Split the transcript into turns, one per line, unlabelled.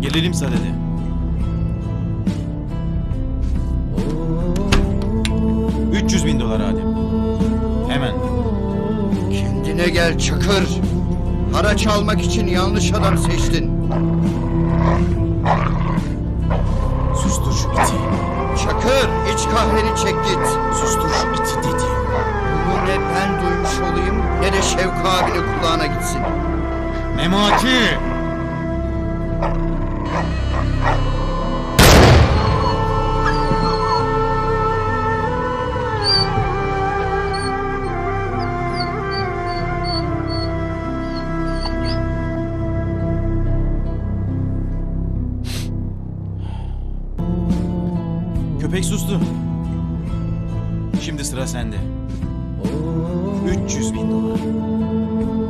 Gelelim sadede. $300.000 Adem. Hemen.
Kendine gel Çakır. Haraç almak için yanlış adam seçtin.
Sustur şu iti.
Çakır, iç kahveni çek git.
Sustur şu iti dedi.
Bunu ne ben duymuş olayım ne de Şevka abinin kulağına gitsin.
Memati! Köpek sustu. Şimdi sıra sende. $300.000.